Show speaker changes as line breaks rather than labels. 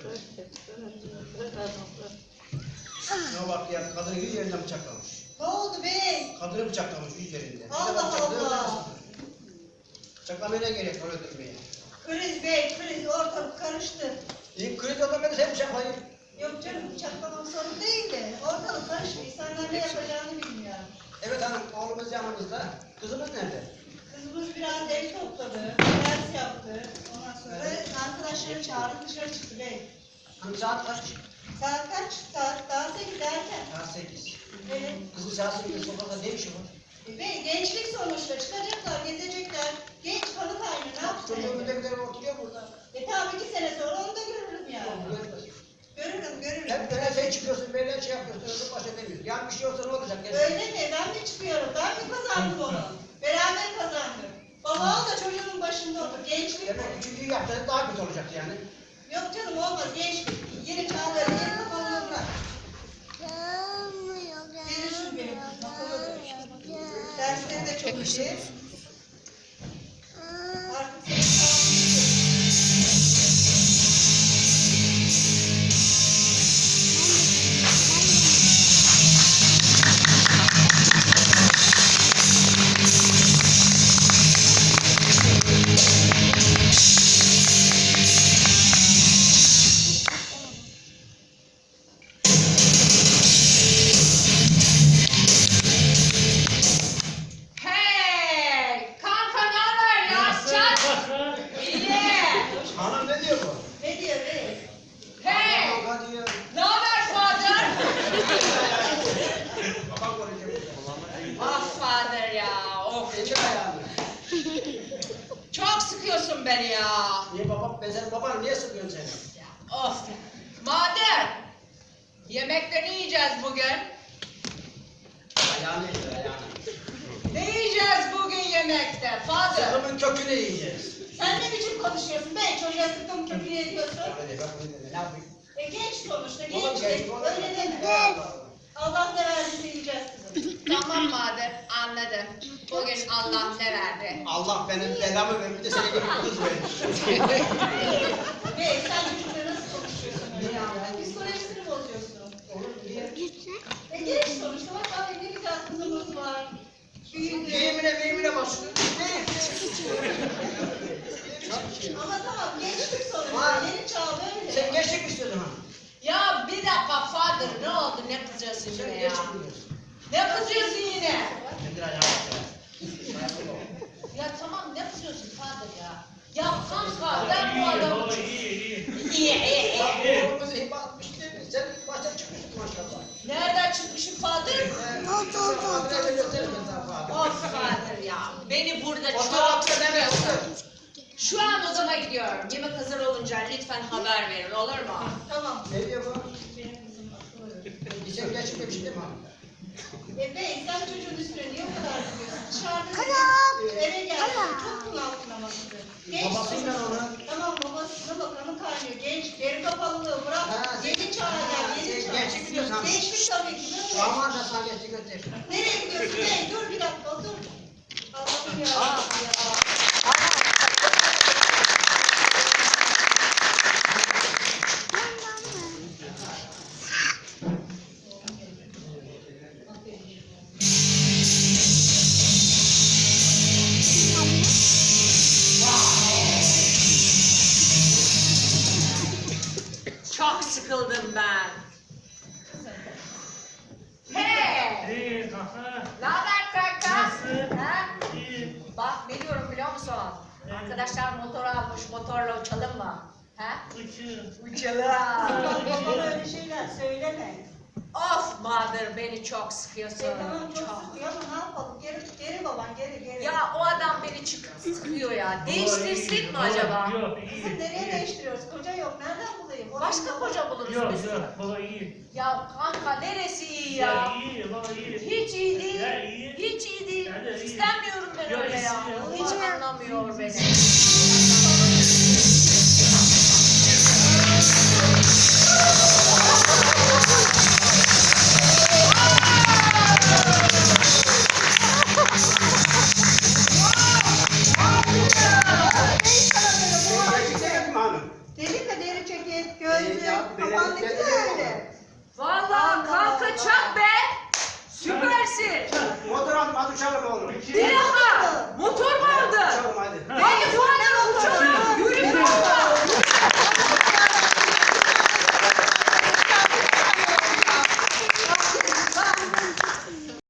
Ne bak ya, kadını yüz yerinden bıçaklamış.
Ne oldu bey?
Kadını bıçaklamış yüz yerinden.
Allah Allah.
Bıçaklamaya ne gerek var öldürmeye?
Kriz bey, kriz ortalık karıştı.
İlk kriz olan beni sen bıçaklayın.
Yok canım bıçaklamak sorun değil de ortalık karıştı. İnsanlar ne yapacağını bilmiyor.
Evet hanım, oğlumuz yanımızda. Kızımız nerede?
Kızımız biraz ev topladı, ders yaptı. Ondan sonra arkadaşları çağırıp dışarı çıktı bey.
Hanım saat kaç?
Saat kaç? Saat daha 8 erken.
Saat 8.
Evet.
Kızım saat 8 sokakta ne işi var?
Bey gençlik sonuçta çıkacaklar, gezecekler. Genç kanı kaynıyor, ne yapsın?
Çocuğun müdekleri oturuyor burada.
Tabii 2 sene sonra onu da görürüm yani.
Görmez.
Görürüm.
Hep böyle sen çıkıyorsun, böyle şey yapıyorsun, öbür baş edemiyorsun. Yani bir şey olsa ne olacak?
Öyle mi? Ben mi çıkıyorum? Ben mi kazandım onu? Beraber kazandık. Babam da çocuğun başında otur. Gençlik
Demek
bu.
üçüncüyü yaptığınız daha kötü olacak yani.
Yok canım olmaz. Gençlik. Yeni çağları, yeni kafalığı bırak. Verirsin benim kızım. Akıllıdır. Dersleri de çok iyi. Artık seni sağlayacağım.
Hey! Kanka ne haber ya? Çak! İyi!
Hanım ne diyor bu?
Ne diyor be?
Hey!
Kavga diyor.
Ne haber Father?
Babam konuşuyor.
Ah Father ya! Of!
Geçir ayağını.
Çok sıkıyorsun beni ya!
Niye babam? Ben senin babanı niye sıkıyorsun seni?
Ya of! Mader! Yemekte ne yiyeceğiz bugün?
Ayağını yedir ayağını.
Ne yiyeceğiz bugün yemekte Father?
Sıkımın kökünü yiyeceğiz.
Sen ne biçim konuşuyorsun be? Çocuğa sıktım köprüye ediyorsun.
Hadi bak ne yapayım?
Genç sonuçta,
Oğlum
genç.
genç, oğlum
Öyle
genç.
deme. Allah ne verdiyse yiyeceğiz kızım.
Tamam Mader, anladım. Bugün Allah ne verdi?
Allah benim belamı verdi bir de senin gibi bir kız vermiş.
Be sen çocukla nasıl konuşuyorsun öyle ya? Psikolojisini bozuyorsun.
Oğlum niye?
Genç sonuçta bak abi ne güzel kızımız var. Büyüdü.
Meyimine başlıyor.
Ama tamam gençlik sonuçta.
Var.
Yeni çağ böyle.
Sen gençlik mi istiyordun ha?
Ya bir dakika Father, ne oldu? Ne kızıyorsun
Sen
yine ya?
gençlik mi diyorsun?
Ne kızıyorsun yine?
Nedir ayağını?
Ya tamam ne kızıyorsun Father ya? Ya kanka ben bu adamı... İyi.
Oğlumuzu hibe atmış değil mi? Sen baştan çıkmışsın maşallah.
Nereden çıkmışım Father? Of Father ya. Beni burada çok sıkıyorsun. Şu an odama gidiyorum. Yemek hazır olunca lütfen haber verin olur mu?
Tamam.
Ne diyor bu?
Benim kızım akıllı.
Sen gençlik demiştin değil mi?
Bey sen çocuğun üstüne niye o kadar gidiyorsun? Dışarıda eve geldi. Çok bunaltın ama kızı. Genç
Babasıyla
sonuçta.
onu.
Tamam babasına bak kanı kaynıyor. Genç, deri kapalılığı bırak.
Ha,
Yeni çağa gel, yeni
sen
çağ.
gençlik biliyorsun.
Gençlik tabii ki. Böyle.
Aman da sana gençlik göster.
Nereye gidiyorsun? Bey dur bir dakika otur. Allah'ım ya. Ya.
Çok sıkıldım ben. Hey!
İyi kaka.
Ne haber kanka?
Nasıl?
Ha?
İyi.
Bak ne diyorum biliyor musun? Arkadaşlar motor almış, motorla uçalım mı? Ha?
Uçuyor.
Uçalım.
Babama öyle şeyler söyleme.
Of Mother beni çok sıkıyorsun.
Tamam çok sıkıyor ama ne yapalım? Geri baban geri.
Ya o adam beni sıkıyor ya. Değiştirsin mi acaba?
Yok
Kızım
iyi.
nereye değiştiriyoruz? Koca yok. Nereden bulayım?
Başka koca buluruz
Yok
biz.
yok baba iyi.
Ya kanka neresi iyi
Ya
ya?
iyi baba iyi.
Hiç iyi değil.
Ya iyi.
Hiç iyi değil.
Ya da iyi.
İstemiyorum ben
Yok,
öyle ya.
istiyorum.
Hiç anlamıyor beni.
Gençlik demek mi hanım?
Derin de deri ceket, gözlük, Onunki de öyle.
Vallahi kalkacak